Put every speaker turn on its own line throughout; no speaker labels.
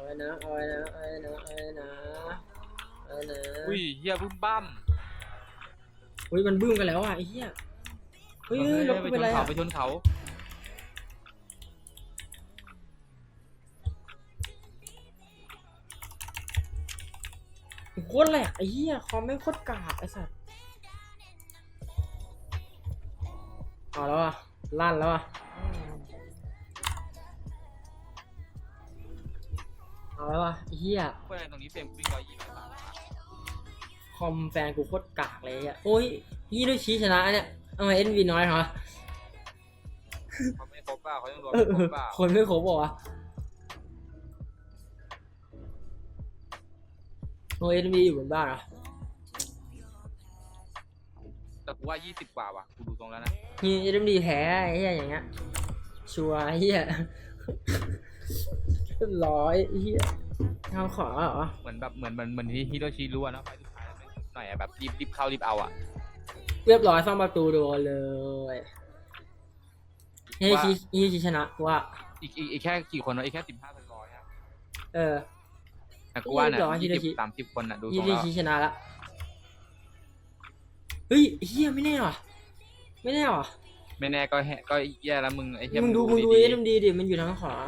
นะเอาไว้นะเอาไว้นะเอาไว้นะเอาไว้นะ
อุ้ยเฮียบึ้มบั้ม
อุ้ยมันบึ้มกันแล้วอ่ะไอ้เหี้ยเฮ้ยรถกูเป็นไรอ่ะ
ไปชนเขา
โคตรแหลกไอ้เหี้ยคอมไม่โคตรกากไอ้สัสเอาแล้วอ่ะลั่นแล้วอ่ะเอาแล้วอ่ะไอ้เหี้ย
เพื่อนตรงนี้เฟรมวิ่ง120 บาท
คอมแฟนกูโคตรกากเลยอ่ะโอ้ยยี่ด้วยชี้ชนะเนี่ยทำไมเอ็นวีน้อยเหรอ
เขาไม่ครบเปล่าเขายังรวม
เอ
ไม่
อ
ครบเปล่า
คนไม่ครบบอกวะโอเอ็นวีอยู่บนบ้านเหรอ
แต่กูว่า20 กว่าว่ะกูดูตรงแล้วนะ
มีเอ็มดีแพ้ไอ้เหี้ยอย่างเงี้ยชัวร์ไอ้เหี้ยร้อยไอ้เหี้ยทำขอเหรอ
เหมือนที่ฮิโรชิรู้อะเนาะไฟสุดท้ายแล้วหน่อยอะแบบรีบเข้ารีบเอาอะ
เรียบร้อยซ่อมประตูโดนเลยเฮ้ยชี้ชนะกูว่า
อีกแค่กี่คนวะอีกแค่15 เป็นร้อยอะ
เออ
แต่กูว่าเนี่ย
ฮิโรชิ
20-30 คนอะดูตร
ยี่
งแล้ว
ชี้ชนะละเฮ้ยเฮียไม่แน่ว่ะไม่แน่ว่ะ
ไม่แน่ก็แย่แล้วมึงไอ้เหี้ย
มึงดู
ดี
เอ็มดีดิมันอยู่ทางขวา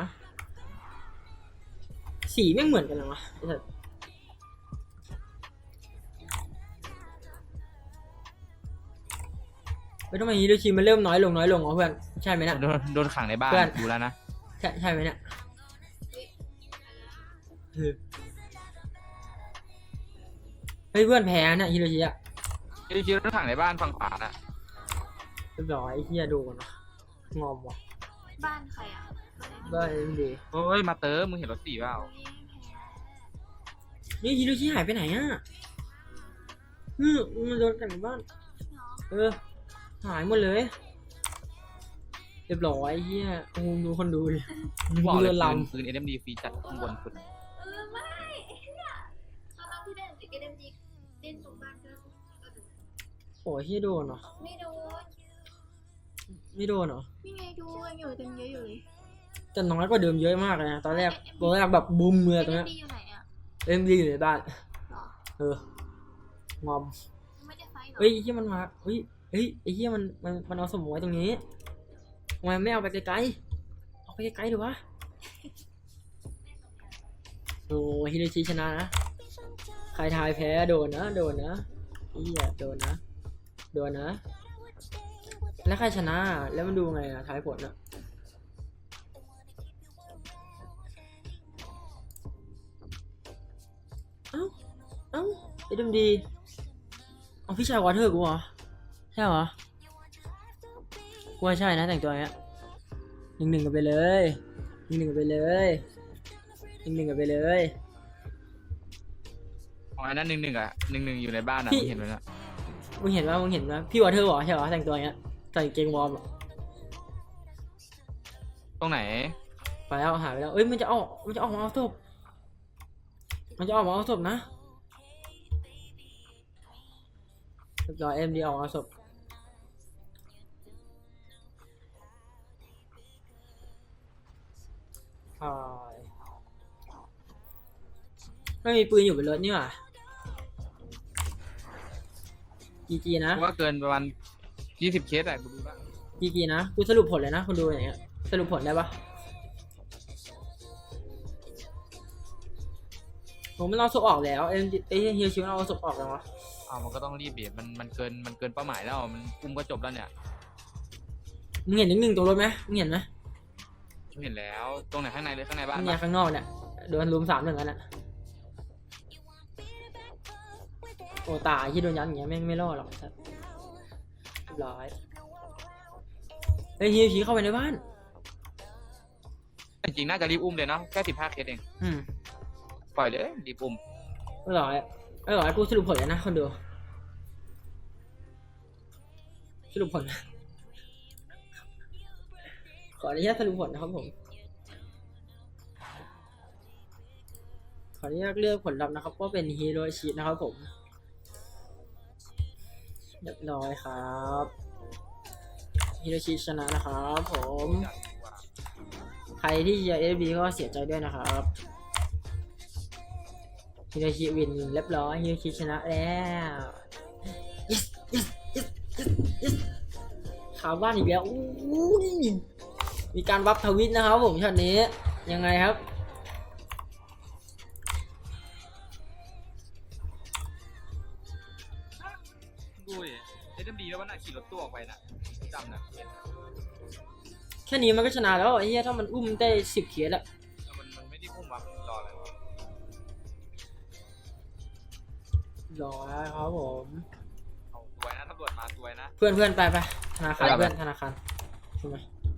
สีแม่งเหมือนกันเลยวะไอ้สัสไม่ทำไมฮิโรชิมันเริ่มน้อยลงอ๋อเพื่อนใช่ไหมเนี่ย
โดนขังในบ้าน
เพื่อน
ดูแล้วนะ
ใช่ไหมเนี่ยเฮ้ยเพื่อนแพ้เนี่ยฮิโรชิอะ
ฮิโรชิโดนขังในบ้านฝั่งขวาน่ะ
เรียบร้อยไอ้เฮียโดนวะงอมว่ะ
บ้านใครอ่ะ
บ้าเอ็มดี
เฮ้ยมาเตอร์มึงเห็นรถ4เปล่า
นี่ฮิโรชิหายไปไหนอ่ะมันโดนกันในบ้านหายหมดเลยเรียบร้อยไอ้เฮียโอ้โหดูคนดูดิ
บอกเลย
เรือล
ปืน SMD ฟรีจัดข้างบนสุด
ไม่เนี่ยตอนที่เล่นติดเอ็มดีเล่นตรงบ้านก็
ำโอ้ยเฮียโดนเหรอ
ไม่โดน
ไม่โดนเหรอ
นี่ไงดูยังอยู่เต็มเยอะอยู่เลย
แต่น้อยกว่าเดิมเยอะมากเลยนะตอนแรกแบบบูมเลยตรงเนี้ย
ดีอยู่ไหนอ่ะ
เอ็มดีอยู่ในบ้าน
หรอ
งอม
ไม่ได้ไฟหรอ
เฮ้ยไอ้เฮียมันมาเฮ้ยไอ้เฮียมันเอาสมองไว้ตรงนี้ทำไมไม่เอาไปไกลๆเอาไปไกลๆดูวะโอ้ฮิโรชิชนะนะใครทายแพ้โดนนะเฮียโดนนะแล้วใครชนะแล้วมันดูไงอะทายผลอะเอ้าเอ็มดีเอาพี่ชายวอเทอร์กูเหรอใช่เหรอกูว่าใช่นะแต่งตัวอย่างเงี้ย1-1กันไปเลย1-1กันไปเลย1-1กันไปเลย
ของอันนั้น1-1อะ1-1อยู่ในบ้านอะ
พี่
มึงเห็นไหมน่ะ
มึงเห็นว่าพี่วอเทอร์บอกใช่เหรอแต่งตัวอย่างเงี้ยใส่เกงวอร์มอะ
ตรงไหน
ไปแล้วหายไปแล้วเอ้ยมันจะออกมาเอาศพนะเรียบร้อยเอ็มดีออกมาเอาศพไม่มีปืนอยู่บนรถนี่หว่าจีนะ
กูว่าเกินประมาณ20 เคสอะกูดูแล้ว
จีนะกูสรุปผลเลยนะคุณดูอย่างเงี้ยสรุปผลได้ปะผมไม่เอาศพออกแล้วเอ็มเฮียชิวเอาศพออกแล้ววะ
มันก็ต้องรีบเบียดมันเกินเป้าหมายแล้วมันอุ้มก็จบแล้วเนี่ย
มึงเห็น1-1ตัวรถไหมมึงเห็นไหม
กูเห็นแล้วตรงไหนข้างในเลยข้างในบ้าน
เนี่ย
ปะ
ข้างนอกเนี่ยโดนรุม3-1กันอ่ะโอ้ตายที่โดนยันอย่างเงี้ยแม่งไม่รอดหรอกครับเรียบร้อยเฮ้ยฮิวชีเข้าไปในบ้าน
จริงๆน่าจะรีบอุ้มเลยเนาะแค่15 เคสเองปล่อยเลยรีบอุ้ม
เรียบร้อยกูสรุปผลแล้วนะคนดูสรุปผลขออนุญาตสรุปผลนะครับผมขออนุญาตเลือกผลลัพธ์นะครับว่าเป็นฮิโรชินะครับผมเรียบร้อยครับฮิโรชิชนะนะครับผมใครที่จะเอฟบีก็เสียใจด้วยนะครับฮิโรชิวินเรียบร้อยฮิโรชิชนะแล้ว yes yes yes yes yes ข่าวบ้านอีกแล้วอู้ยมีการวับทวิตนะครับผมช็อตนี้ยังไงครับ
ดูดิเอ็มดีแล้ววันน่ะขี่รถตู้ออกไปน่ะจำน่ะเห็น
แค่นี้มันก็ชนะแล้วไอ้เหี้ยถ้ามันอุ้มได้10 เคสอะ
มันไม่ได้พุ่มวะมันรออะไรวะ
รอครับผม
เอาสวยนะตำรวจมาสวยนะ
เพื่อนเพื่อนไปธนาคาร
ไป
เพื่อนธนาคารใช่ไหม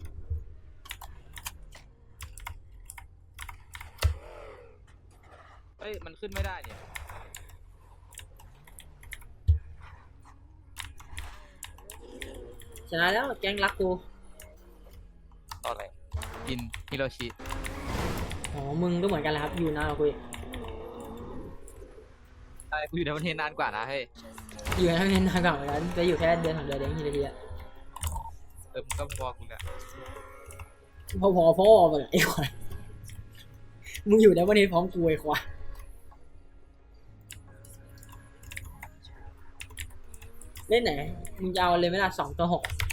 เฮ้ยมันขึ้นไม่ได้เนี่ย
ชนะแล้วแก๊งรักกู
ต่ออะไรกินฮิโรชิ
อ๋อมึงก็เหมือนกันแหละครับอยู่นานกว่ากูอีก
ใช่กูอยู่ในประเทศนานกว่านะเฮ้ย
อยู่ทั้งเรียนนานกว่าเหมือนกันจะอยู่แค่เดือน2 เดือนเองทีเดียว
มึงก็พอกูเนี่ย
พอไปเลยไอ้ควายมึงอยู่ในวันนี้พร้อมกูไอ้ควายเล่นไหนมึงจะเอาเลยไหมล่ะ2 ต่อ 6